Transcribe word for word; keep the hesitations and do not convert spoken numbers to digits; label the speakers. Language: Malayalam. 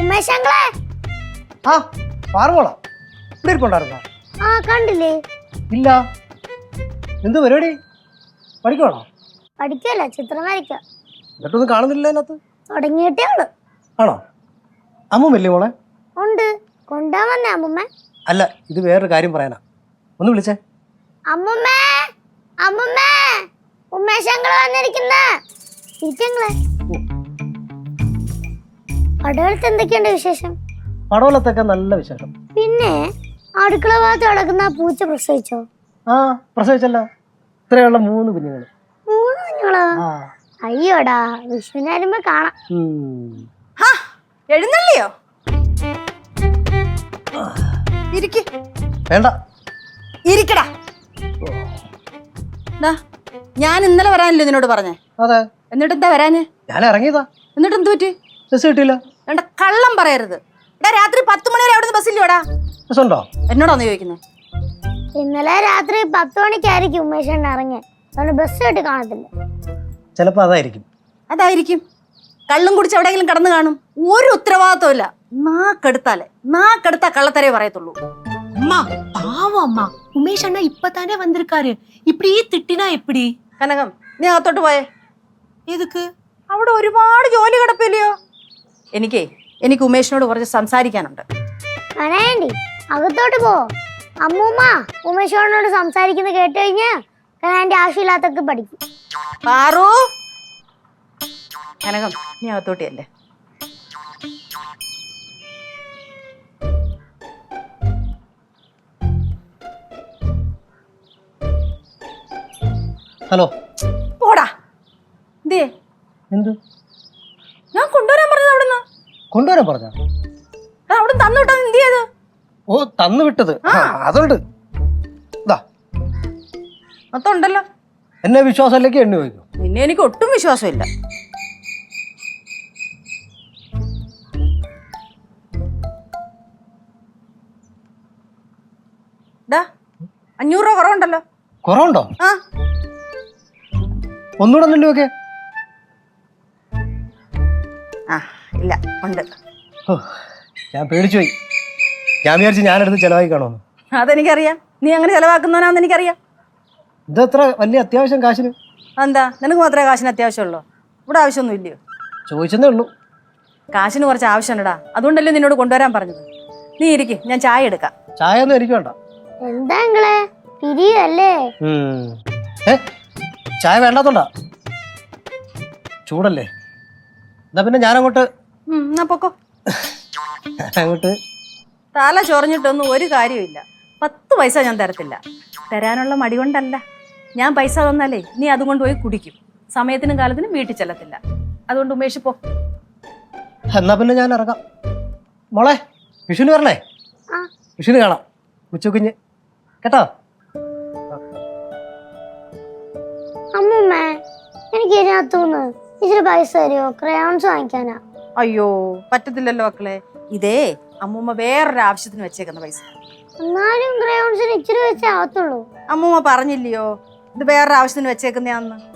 Speaker 1: ഉമേശങ്ങളെ
Speaker 2: ആ പാറുമോളാ ഇവിടെ ഇരിപ്പുണ്ടായിരുന്നോ?
Speaker 1: ആ കണ്ടില്ലേ?
Speaker 2: ഇല്ല. എന്ത് പരിപാടി? പഠിക്കണോ?
Speaker 1: പഠിക്കല്ല, ചിത്രം വരയ്ക്കാം.
Speaker 2: എന്നിട്ടൊന്നും കാണുന്നില്ല അതിനകത്ത്.
Speaker 1: തുടങ്ങിയിട്ടേ ഉള്ളു.
Speaker 2: ആണോ? അമ്മൂമ്മല്ലേ മോളെ?
Speaker 1: ഉണ്ട്. കൊണ്ടുപോകാൻ വന്നേ അമ്മുമ്മ?
Speaker 2: അല്ല, ഇത് വേറൊരു കാര്യം പറയാനാ. ഒന്ന് വിളിച്ചേ.
Speaker 1: അമ്മുമ്മേ, അമ്മുമ്മേ, ഉമേശങ്ങള് വന്നിരിക്കുന്നേ. ഇരിക്കങ്ങളെ. പടവലത്ത് എന്തൊക്കെയുണ്ട് വിശേഷം?
Speaker 2: പടവലത്തൊക്കെ നല്ല വിശേഷം.
Speaker 1: പിന്നെ അടുക്കള ഭാഗത്ത് കിടക്കുന്ന പൂച്ച പ്രസവിച്ചോ?
Speaker 2: ആ പ്രസവിച്ചല്ല, ഇത്രയുള്ള മൂന്ന് കുഞ്ഞുങ്ങൾ.
Speaker 1: മൂന്ന് കുഞ്ഞുങ്ങളോ? അയ്യോടാ, വിഷുവിന് വരുമ്പോ കാണാം.
Speaker 3: എഴുന്നള്ളിയോ? ഇരിക്ക്.
Speaker 2: വേണ്ട,
Speaker 3: ഇരിക്കടാ. ഞാൻ ഇന്നലെ വരാനല്ലേ നിന്നോട് പറഞ്ഞേ?
Speaker 2: അതെ.
Speaker 3: എന്നിട്ട് എന്താ വരാഞ്ഞ്?
Speaker 2: ഞാൻ ഇറങ്ങിയതാ.
Speaker 3: എന്നിട്ട് എന്ത് പറ്റി?
Speaker 2: ബസ് കിട്ടിയില്ല.
Speaker 3: വേണ്ട, കള്ളം പറയരുത്. രാത്രി പത്ത് മണി വരെ അവിടുന്ന് ബസ്സില്ലോടാ?
Speaker 2: ബസ് ഉണ്ടോ?
Speaker 3: എന്നോടാന്ന് ചോദിക്കുന്നത്?
Speaker 1: ഇന്നലെ രാത്രി പത്ത് മണിക്കായിരിക്കും ഉമേഷ് ഇറങ്ങിയ, ബസ് കിട്ടി കാണത്തില്ല.
Speaker 2: ചിലപ്പോ അതായിരിക്കും.
Speaker 3: അതായിരിക്കും. കള്ളും കുടിച്ച് എവിടെയെങ്കിലും കിടന്നു കാണും. ഒരു ഉത്തരവാദിത്വം ഇല്ല. നാക്കെടുത്താലേ നാക്കെടുത്താ കള്ളത്തരേ പറയത്തുള്ളൂ.
Speaker 4: அம்மா பாவம் அம்மா, உமேஷ் அண்ணா இப்பதானே வந்திருக்காரு, இப்படியே திட்டினா எப்படி?
Speaker 3: കനകം, നീ അകത്തോട്ട് പോയേ.
Speaker 4: எதுக்கு?
Speaker 3: അവിടെ ഒരുപാട് ജോലി കിടപ്പില്ലയോ? എനിക്കേ എനിക്ക് ഉമേഷിനോട് കുറച്ച് സംസാരിക്കാനുണ്ട്.
Speaker 1: അനേണ്ടി അകത്തോട്ട് പോ. അമ്മൂമ്മ ഉമേഷോടിനോട് സംസാരിക്കുന്നത് കേട്ട് കഴിഞ്ഞാ കനാന്റെ ആവശ്യമില്ലാത്തൊക്കെ പഠിക്കും.
Speaker 3: പാറു, കനകം നീ അകത്തോട്ടിയല്ലേ.
Speaker 2: ഹലോ.
Speaker 3: പോടാ. എന്തേ?
Speaker 2: എന്ത്?
Speaker 3: ഞാൻ കൊണ്ടുവരാൻ പറഞ്ഞത് അവിടുന്ന്.
Speaker 2: കൊണ്ടുവരാൻ പറഞ്ഞ
Speaker 3: അവിടെ തന്നു വിട്ടത് എന്ത് ചെയ്ത്?
Speaker 2: ഓ, തന്നു വിട്ടത് അതുണ്ട്.
Speaker 3: മൊത്തമുണ്ടല്ലോ.
Speaker 2: എന്നെ വിശ്വാസത്തിലേക്ക് എണ്ണി വയ്ക്കും.
Speaker 3: നിന്നെ എനിക്ക് ഒട്ടും വിശ്വാസമില്ല. അഞ്ഞൂറ് രൂപ കുറവുണ്ടല്ലോ.
Speaker 2: കുറവുണ്ടോ?
Speaker 3: ആ,
Speaker 2: ഒന്നുകൂടെ എണ്ണി നോക്കേ.
Speaker 3: ആ ഇല്ല, ഉണ്ട്.
Speaker 2: ഞാൻ പേടിച്ചു പോയി. ഞാൻ വിചാരിച്ചു ഞാനെടുത്ത് ചെലവാക്കി കാണുമെന്ന്.
Speaker 3: അതെനിക്കറിയാം. നീ അങ്ങനെ ചെലവാക്കുന്നവനാന്ന് എനിക്കറിയാം.
Speaker 2: ഇതെത്ര വലിയ അത്യാവശ്യം കാശിന്?
Speaker 3: എന്താ, നിനക്ക് മാത്രമേ കാശിന് അത്യാവശ്യമുള്ളൂ? ഇവിടെ ആവശ്യമൊന്നും ഇല്ലയോ?
Speaker 2: ചോദിച്ചതേ ഉള്ളൂ.
Speaker 3: കാശിന് കുറച്ച് ആവശ്യമുണ്ടടാ, അതുകൊണ്ടല്ലേ നിന്നോട് കൊണ്ടുവരാൻ പറഞ്ഞത്. നീ ഇരിക്കും, ഞാൻ ചായ എടുക്കാം.
Speaker 2: ചായ ഒന്നും എനിക്ക് വേണ്ട.
Speaker 1: എന്താ നിങ്ങളെ പിരിയല്ലേ?
Speaker 2: ഏ ചായ വേണ്ടാത്തോണ്ടാ? ചൂടല്ലേ? എന്നാ പിന്നെ ഞാനങ്ങോട്ട്
Speaker 3: എന്നാ പൊക്കോ.
Speaker 2: അങ്ങോട്ട്
Speaker 3: തല ചൊറഞ്ഞിട്ടൊന്നും ഒരു കാര്യമില്ല. പത്ത് പൈസ ഞാൻ തരത്തില്ല. തരാനുള്ള മടി കൊണ്ടല്ല. ഞാൻ പൈസ തന്നാലേ നീ അതുകൊണ്ട് പോയി കുടിക്കും. സമയത്തിനും കാലത്തിനും വീട്ടിൽ ചെല്ലത്തില്ല. അതുകൊണ്ട് ഉമേഷ് പോ.
Speaker 2: എന്നാ പിന്നെ ഞാൻ ഇറങ്ങാം. മോളെ, വിഷുവിന് വരണേ. വിഷുവിന് കാണാം. ഉച്ചക്കുഞ്ഞ് കേട്ടോ.
Speaker 1: അമ്മൂമ്മ, എനിക്ക് ഇതിനകത്തുനിന്ന് ഇച്ചിരി പൈസ തരുമോ? ക്രയോൺസ് വാങ്ങിക്കാനാ.
Speaker 3: അയ്യോ, പറ്റത്തില്ലല്ലോ മക്കളെ. ഇതേ അമ്മൂമ്മ വേറൊരു ആവശ്യത്തിന് വെച്ചേക്കുന്ന പൈസ.
Speaker 1: എന്നാലും ക്രയോൺസിന് ഇച്ചിരി വെച്ചേ ആവത്തുള്ളൂ.
Speaker 3: അമ്മൂമ്മ പറഞ്ഞില്ലയോ ഇത് വേറൊരു ആവശ്യത്തിന് വെച്ചേക്കുന്നയാന്ന്?